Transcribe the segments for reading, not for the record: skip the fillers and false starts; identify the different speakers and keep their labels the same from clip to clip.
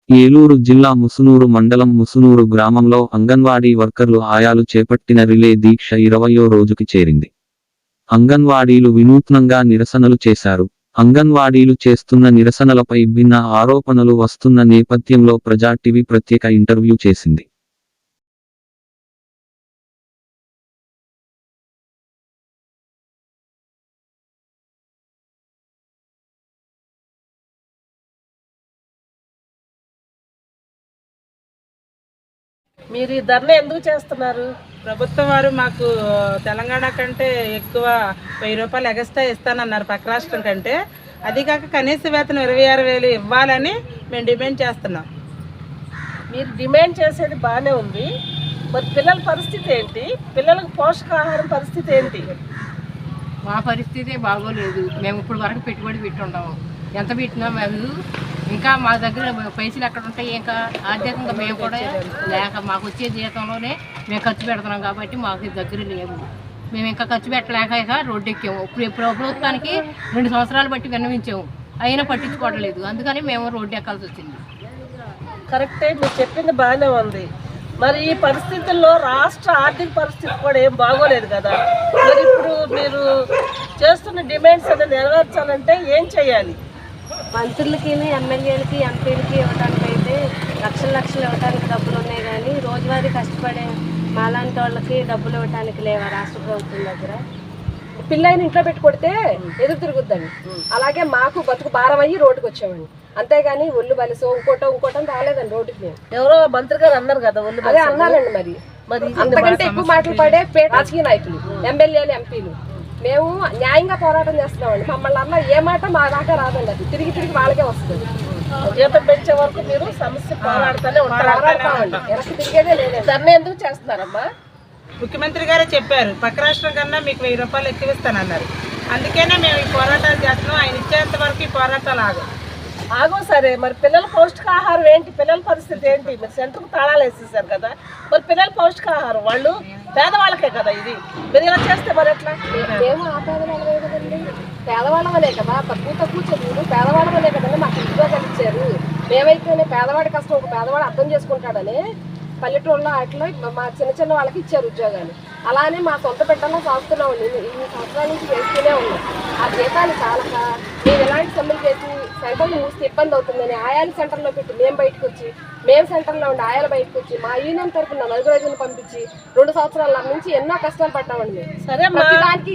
Speaker 1: ఏలూరు జిల్లా ముసునూరు మండలం ముసునూరు గ్రామంలో అంగన్వాడీ వర్కర్లు ఆయాలు చేపట్టిన రిలే దీక్ష 20వ రోజుకి చేరింది. అంగన్వాడీలు వినూత్నంగా నిరసనలు చేశారు. అంగన్వాడీలు చేస్తున్న నిరసనలపై భిన్న ఆరోపణలు వస్తున్న నేపథ్యంలో ప్రజా టీవీ ప్రత్యేక ఇంటర్వ్యూ చేసింది.
Speaker 2: మీరు ఈ ధర్నా ఎందుకు చేస్తున్నారు?
Speaker 3: ప్రభుత్వం వారు మాకు తెలంగాణ కంటే ఎక్కువ 1000 రూపాయలు ఎగస్ట్రా ఇస్తానన్నారు పక్క రాష్ట్రం కంటే. అది కాక కనీస వేతనం 26,000 ఇవ్వాలని మేము డిమాండ్ చేస్తున్నాం.
Speaker 2: మీరు డిమాండ్ చేసేది బాగానే ఉంది, మరి పిల్లల పరిస్థితి ఏంటి? పిల్లలకు పోషకాహారం పరిస్థితి ఏంటి?
Speaker 4: మా పరిస్థితి బాగోలేదు. మేము ఇప్పుడు వరకు పెట్టుబడి పెట్టి ఉండము. ఎంత పెట్టినా మేము ఇంకా మా దగ్గర పైసలు ఎక్కడ ఉంటాయి, ఇంకా ఆర్థికంగా మేము కూడా లేక మాకు వచ్చే జీతంలోనే మేము ఖర్చు పెడుతున్నాం కాబట్టి మాకు దగ్గర లేవు. మేము ఇంకా ఖర్చు పెట్టలేక రోడ్డు ఎక్కాము. ఇప్పుడు ప్రభుత్వానికి 2 సంవత్సరాలు బట్టి విన్నవించాము, అయినా పట్టించుకోవడం లేదు. అందుకని మేము రోడ్డు ఎక్కాల్సి వచ్చింది.
Speaker 2: కరెక్టే, మీరు చెప్పింది బాగానే ఉంది. మరి ఈ పరిస్థితుల్లో రాష్ట్ర ఆర్థిక పరిస్థితి కూడా ఏం బాగోలేదు కదా. మరి ఇప్పుడు మీరు చేస్తున్న డిమాండ్స్ అనేది నెరవేర్చాలంటే ఏం చేయాలి?
Speaker 5: మంత్రులకి, ఎమ్మెల్యేలకి, ఎంపీలకి ఇవ్వడానికి అయితే లక్షలు ఇవ్వడానికి డబ్బులు ఉన్నాయి, కానీ రోజువారీ కష్టపడే మాలాంటి వాళ్ళకి డబ్బులు ఇవ్వడానికి లేవా రాష్ట్ర ప్రభుత్వం దగ్గర?
Speaker 6: పిల్లని ఇంట్లో పెట్టి కొడితే ఎదురు తిరుగుద్దండి. అలాగే మాకు బతుకు భారం అయ్యి రోడ్డుకి వచ్చామండి. అంతేగాని ఒళ్ళు బలిసో ఇంకోటం రాలేదండి రోడ్డుకి. మేము
Speaker 2: ఎవరో మంత్రి గారు అన్నారు కదా,
Speaker 6: అదే అన్నారండి. మరి అంతకంటే ఎక్కువ మాటలు పడే రాజకీయ నాయకులు, ఎమ్మెల్యేలు, ఎంపీలు. మేము న్యాయంగా పోరాటం చేస్తున్నామండి. మమ్మల్ని అన్న ఏ మాట మా దాకా రాదండి. అది తిరిగి వాళ్ళకే వస్తుంది.
Speaker 2: జీతం పెంచే వరకు మీరు సమస్య పోరాడుతూనే
Speaker 6: పోరాడతామండి. వెనక్కి తిరిగేదే లేదు.
Speaker 2: ధర్నా ఎందుకు చేస్తున్నారమ్మా?
Speaker 3: ముఖ్యమంత్రి గారే చెప్పారు పక్క రాష్ట్రం కన్నా మీకు 1000 రూపాయలు ఎక్కువ ఇస్తానన్నారు. అందుకనే మేము ఈ పోరాటాలు చేస్తున్నాం. ఆయన ఇచ్చేంత వరకు ఈ పోరాటాలు
Speaker 2: ఆగో. సరే, మరి పిల్లల పౌష్టికాహారం ఏంటి? పిల్లల పరిస్థితి ఏంటి? మీరు సెంటర్కు తాళాలు వేసేసారు కదా, మరి పిల్లల పౌష్టికాహారం వాళ్ళు పేదవాళ్ళకే కదా ఇది. మీరు ఇలా చేస్తే మరి ఎట్లా?
Speaker 6: మేము ఆ పేదవాళ్ళమే కదండి, పేదవాళ్ళమనే కదా. తక్కువ చదువులు పేదవాళ్ళమనే కదండి మాకు ఉద్యోగాలు ఇచ్చారు. మేమైతేనే పేదవాడి కష్టం ఒక పేదవాడు అర్థం చేసుకుంటాడని పల్లెటూరులో అట్లా మా చిన్న వాళ్ళకి ఇచ్చారు ఉద్యోగాలు. అలానే మా సొంత బిడ్డల్లో సాగుతున్నామండి. ఇన్ని సంవత్సరాల నుంచి వేస్తూనే ఉన్నాం. ఆ జీతాలు చాలక మేము ఎలాంటి సమ్మెలు చేసి సెంటర్లు మూస్తే ఇబ్బంది అవుతుందని ఆయాల సెంటర్లో పెట్టి మేము సెంటర్లో ఉండి ఆయాలు బయటకు వచ్చి మా యూనియన్ తరఫున 4 రోజులు పంపించి 2 సంవత్సరాల నుంచి ఎన్నో కష్టాలు పడ్డామండి. ప్రతిదానికి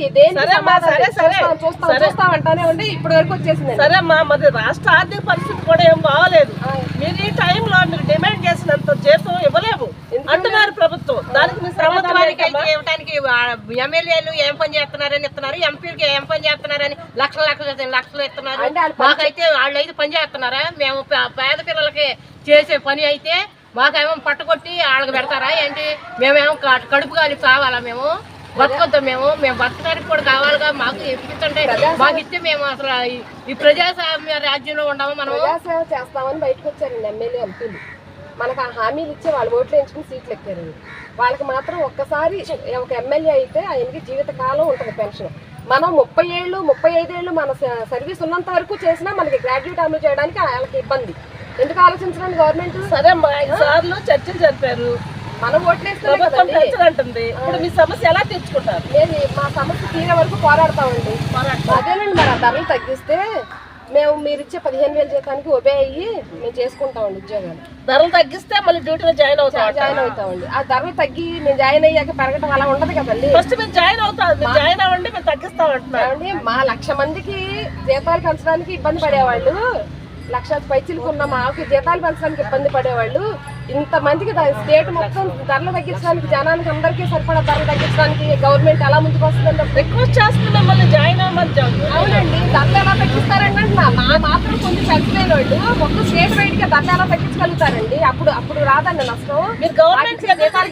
Speaker 6: చూస్తామంటానే ఉండి ఇప్పటి వరకు వచ్చేసింది.
Speaker 2: సరే అమ్మా, మరి రాష్ట్ర ఆర్థిక పరిస్థితి కూడా ఏం బాగోలేదు. మీరు ఈ టైంలో మీరు డిమాండ్ చేసినంత జీతం ఇవ్వలేము అంటున్నారు ప్రభుత్వం. దానికి మీ
Speaker 4: ప్రభుత్వానికి ఇవ్వడానికి ఎమ్మెల్యేలు ఏం పని చేస్తున్నారని ఇస్తున్నారు, ఎంపీలకి ఏం పని చేస్తున్నారని లక్షలు ఇస్తున్నారు. మాకైతే వాళ్ళు అయితే పని చేస్తున్నారా? మేము పేద పిల్లలకి చేసే పని అయితే మాకేమో పట్టకొట్టి వాళ్ళకి పెడతారా ఏంటి? మేమేమో కడుపు కాలి కావాలా? మేము బతకొద్దాం. మేము బతకడానికి కూడా కావాలిగా. మాకు ఇప్పించండి, మాకు ఇస్తే మేము అసలు ఈ ప్రజాస్వామ్య రాజ్యంలో ఉండము. మనం
Speaker 6: ప్రజాసేవ చేస్తామని బయటకు వచ్చారండి ఎమ్మెల్యే, ఎంపీలు. మనకు ఆ హామీలు ఇచ్చి వాళ్ళు ఓట్లు వేయించుకుని సీట్లు ఎక్కారండి. వాళ్ళకి మాత్రం ఒక్కసారి ఒక ఎమ్మెల్యే అయితే ఆయనకి జీవితకాలం ఉంటుంది పెన్షన్. మనం 30 ఏళ్ళు 35 ఏళ్ళు మన సర్వీస్ ఉన్నంత వరకు చేసినా మనకి గ్రాడ్యుయేట్ అమలు చేయడానికి వాళ్ళకి ఇబ్బంది. ఎందుకు ఆలోచించడానికి గవర్నమెంట్?
Speaker 2: సరే అమ్మా, 5 సార్లు చర్చలు జరిపారు,
Speaker 6: మనం
Speaker 2: ఓట్లేస్తుంది. ఇప్పుడు మీ సమస్య ఎలా తీర్చుకుంటారు?
Speaker 6: మా సమస్య తీరే వరకు పోరాడతామండి. అదేనండి, మరి ఆ ధరలు తగ్గిస్తే మీరు ఇచ్చే 15,000 జీతానికి ఒబే అయ్యి మేము చేసుకుంటామండి ఉద్యోగాలు.
Speaker 2: ధరలు తగ్గిస్తే మళ్ళీ డ్యూటీలో జాయిన్
Speaker 6: అవుతామండి. ఆ ధరలు తగ్గి మేము జాయిన్ అయ్యాక పెరగడం అలా ఉండదు కదండి.
Speaker 2: ఫస్ట్ మీరు జాయిన్ అవ్వండి, మేము తగ్గిస్తామంటున్నామండి.
Speaker 6: మా 1,00,000 మందికి జీతాలు పెంచడానికి ఇబ్బంది పడేవాళ్ళు, 1,00,000 పైచీలకు ఉన్న మాకు జీతాలు పెంచడానికి ఇబ్బంది పడేవాళ్ళు. ఇంతమందికి స్టేట్ మొత్తం ధరలు తగ్గించడానికి, జనానికి అందరికీ సరిపడా ధరలు తగ్గించడానికి గవర్నమెంట్ ఎలా ముందుకు వస్తుందంటే
Speaker 2: రిక్వెస్ట్ చేస్తుంది మమ్మల్ని జాయిన్ అవ్వమని.
Speaker 6: అవునండి, ధరలు ఎలా తగ్గిస్తారండి అంటున్నా. మా మాత్రం కొంచెం పెంచలేని వాళ్ళు మొత్తం స్టేట్ బయటకి ధరలు ఎలా తగ్గించగలుగుతారండి? అప్పుడు రాదండి నష్టం.
Speaker 2: మీరు గవర్నమెంట్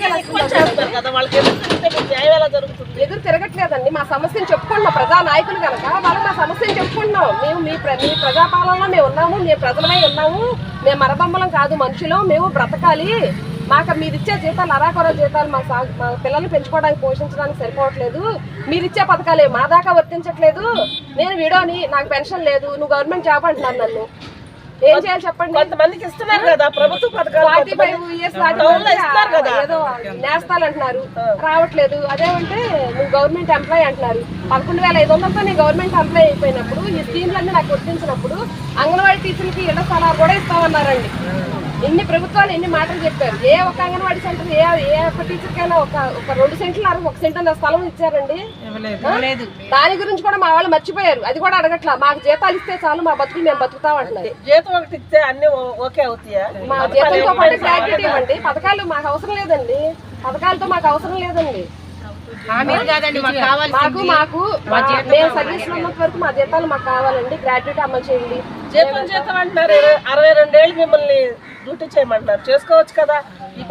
Speaker 2: కదా, వాళ్ళకి న్యాయం ఎలా జరుగుతుంది?
Speaker 6: ఎదురు తిరగట్లేదండి. మా సమస్యను చెప్పుకుంటున్నాం, ప్రజా నాయకులు కనుక వాళ్ళు మా సమస్యను చెప్పుకుంటున్నాం. మేము మీ ప్రజాపాలనలో మేము ఉన్నాము, మేము ప్రజలమై ఉన్నాము, మేము మరబొమ్మలం కాదు, మనుషులు, మేము బ్రతకాలి. మాకు మీరు ఇచ్చే జీతాలు అరాకొర జీతాలు మా పిల్లల్ని పెంచుకోవడానికి, పోషించడానికి సరిపోవట్లేదు. మీరు ఇచ్చే పథకాలే మా దాకా వర్తించట్లేదు. నేను విడోని, నాకు పెన్షన్ లేదు, నువ్వు గవర్నమెంట్ జాబ్ అంటున్నాను నన్ను. ఏం చేయాలి చెప్పండి?
Speaker 2: కొంతమందికి ఇస్తున్నారు కదా ప్రభుత్వ పథకాలు,
Speaker 6: 45 years
Speaker 2: టౌన్లో ఇస్తున్నారు కదా.
Speaker 6: ఏదో నేస్తాలు అంటున్నారు, రావట్లేదు. అదేమంటే నువ్వు గవర్నమెంట్ ఎంప్లాయ్ అంటున్నారు. 11,500తో నేను గవర్నమెంట్ ఎంప్లాయ్ అయిపోయినప్పుడు ఈ స్కీమ్లన్నీ నాకు వర్తించినప్పుడు అంగన్వాడీ టీచర్లకి ఇళ్ల స్థలాలు కూడా ఇస్తామన్నారండి. ఎన్ని ప్రభుత్వాలు ఎన్ని మాటలు చెప్పారు. ఏ ఒక్క అంగన్వాడీ సెంటర్ ఏ ఒక్క టీచర్ కైనా ఒక 2 సెంట్లు 1 సెంట్ అన్న స్థలం ఇచ్చారండి? దాని గురించి కూడా మా వాళ్ళు మర్చిపోయారు. అది కూడా అడగట్లా. మాకు జీతాలు ఇస్తే చాలు, మా బతుకులు మేము బతుకుతాం అంటున్నారు.
Speaker 2: జీతం ఒకటి ఇస్తే అన్ని ఓకే అవుతాయా?
Speaker 6: మా జీతంతో పాటు గ్రాడ్యుయేట్ ఇవ్వండి. పథకాలు మాకు అవసరం లేదండి. పథకాలతో మాకు అవసరం లేదండి. మాకు మేము సర్వీస్ లో ఉన్నంత వరకు మా జీతాలు మాకు కావాలండి. గ్రాడ్యుయేట్ అమలు చేయండి.
Speaker 2: జీతం అంటున్నారు. 62 ఏళ్ళు మిమ్మల్ని డ్యూటీ చేయమంటున్నారు, చేసుకోవచ్చు కదా. ఈ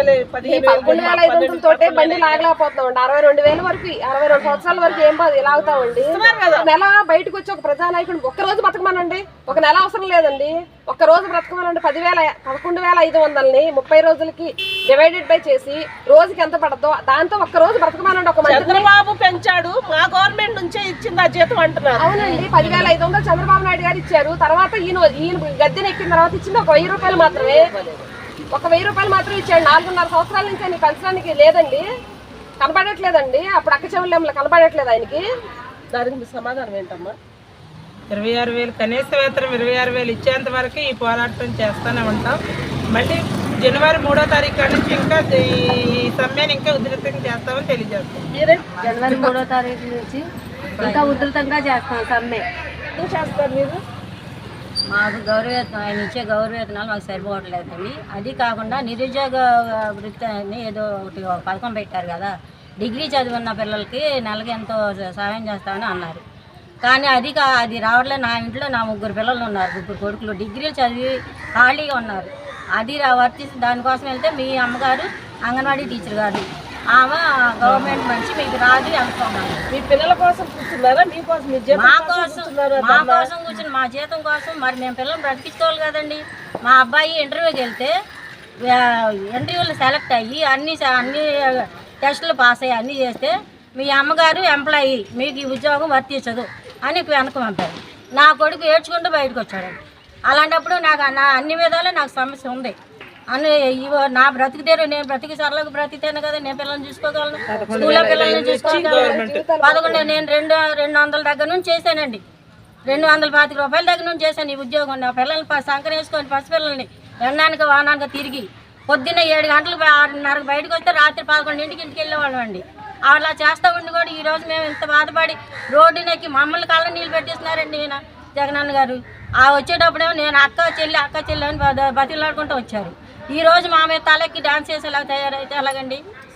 Speaker 6: 15,500 తోటే బండి లాగలేకపోతున్నామండి. 62,000 వరకు 62 సంవత్సరాల వరకు ఏం లాగుతామండి? నెల బయటకు వచ్చి ఒక ప్రజానాయకుడు ఒక్క రోజు బతకమనండి. ఒక నెల అవసరం లేదండి, ఒక్క రోజు బ్రతకమనండి. 11,500ని 30 రోజులకి డివైడెడ్ బై చేసి రోజుకి ఎంత పడదో దాంతో ఒక్క రోజు బ్రతకమనండి. ఒక
Speaker 2: చంద్రబాబు పెంచాడు, మా గవర్నమెంట్ నుంచే ఇచ్చింది ఆ జీతం అంటున్నారు.
Speaker 6: అవునండి, 10,500 చంద్రబాబు నాయుడు గారు ఇచ్చారు. తర్వాత ఈయన గద్దెని ఎక్కిన తర్వాత ఇచ్చింది ఒక 1,000 రూపాయలు మాత్రమే. ఒక 1,000 రూపాయలు మాత్రం ఇచ్చాడు. 4.5 సంవత్సరాల నుంచి ఆయన పెంచడానికి లేదండి, కనపడట్లేదండి. అప్పుడు అక్క చెవులు కనపడట్లేదు ఆయనకి.
Speaker 2: దానికి మీ సమాధానం ఏంటమ్మా?
Speaker 3: 26,000 కనీస వేతనం 26,000 ఇచ్చేంత వరకు ఈ పోరాటం చేస్తూనే ఉంటాం. మళ్ళీ జనవరి 3వ తారీఖు నుంచి ఇంకా ఈ సమ్మెను ఇంకా ఉధృతంగా చేస్తామని తెలియజేస్తాం.
Speaker 5: జనవరి 3వ తారీఖు నుంచి ఇంకా ఉధృతంగా చేస్తాం సమ్మె.
Speaker 2: ఏం చేస్తారు మీరు?
Speaker 7: మాకు గౌరవవేతనం, ఆయన ఇచ్చే గౌరవవేతనాలు మాకు సరిపోవట్లేదండి. అది కాకుండా నిరుద్యోగ వృత్తి అని ఏదో ఒకటి పథకం పెట్టారు కదా, డిగ్రీ చదివిన పిల్లలకి నెలకి ఎంతో సహాయం చేస్తామని అన్నారు. కానీ అది రావట్లేదు. నా ఇంట్లో నా 3 పిల్లలు ఉన్నారు, 3 కొడుకులు డిగ్రీలు చదివి ఖాళీగా ఉన్నారు. అది దానికోసం వెళ్తే మీ అమ్మగారు అంగన్వాడీ టీచర్ గారు ఆమె గవర్నమెంట్ మంచి మీకు రాదు అనుకున్నాను.
Speaker 2: మీ పిల్లల కోసం కూర్చున్నారా? మీకోసం
Speaker 7: మా కోసం కూర్చుని మా జీతం కోసం మరి మేము పిల్లల్ని బ్రతికించుకోవాలి కదండి. మా అబ్బాయి ఇంటర్వ్యూకి వెళ్తే ఇంటర్వ్యూలో సెలెక్ట్ అయ్యి అన్ని టెస్టులు పాస్ అయ్యి అన్నీ చేస్తే మీ అమ్మగారు ఎంప్లాయీ మీకు ఈ ఉద్యోగం వర్తించదు అని వెనక పంపారు. నా కొడుకు ఏడ్చుకుంటూ బయటకు వచ్చాడు. అలాంటప్పుడు నాకు అన్ని విధాలు నాకు సమస్య ఉంది. నా బ్రతికి తీరు నేను బ్రతికి సరళకు బ్రతికితేనే కదా నేను పిల్లల్ని చూసుకోగలను, స్కూల్లో పిల్లల్ని చూసుకోగలను. 11 నేను 200 దగ్గర నుంచి చేశానండి, 225 రూపాయల దగ్గర నుంచి చేశాను ఈ ఉద్యోగం. నా పిల్లల్ని సంకర వేసుకొని పసిపిల్లల్ని ఎండానికి వానానికి తిరిగి పొద్దున్న 7 గంటలకు 6:30 బయటకు వస్తే రాత్రి 11 ఇంటికి వెళ్ళేవాళ్ళం అండి. అలా చేస్తూ ఉండి కూడా ఈరోజు మేము ఇంత బాధపడి రోడ్డునెక్కి మమ్మల్ని కళ్ళ నీళ్ళు పెట్టిస్తున్నారండి ఈయన జగనన్న గారు. వచ్చేటప్పుడేమో నేను అక్క చెల్లి అని బతిలాడుకుంటూ వచ్చారు. ఈరోజు మా మీద తలెక్కి డాన్స్ చేసేలాగా తయారైతే ఎలాగండి?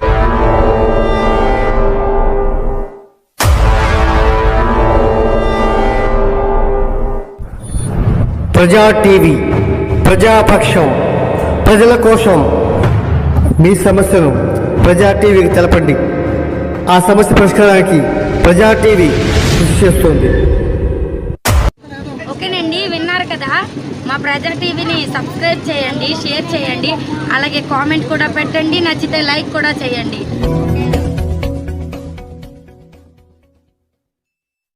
Speaker 8: ప్రజా టీవీ, ప్రజాపక్షం, ప్రజల కోసం. మీ సమస్యను ప్రజా టీవీకి తెలపండి. ఆ సమస్య పరిష్కారానికి ప్రజా టీవీ కృషి చేస్తుంది.
Speaker 9: ఓకేనండి, విన్నారు కదా. మా ప్రజా టీవీని సబ్స్క్రైబ్ చేయండి, షేర్ చేయండి, అలాగే కామెంట్ కూడా పెట్టండి, నచ్చితే లైక్ కూడా చేయండి.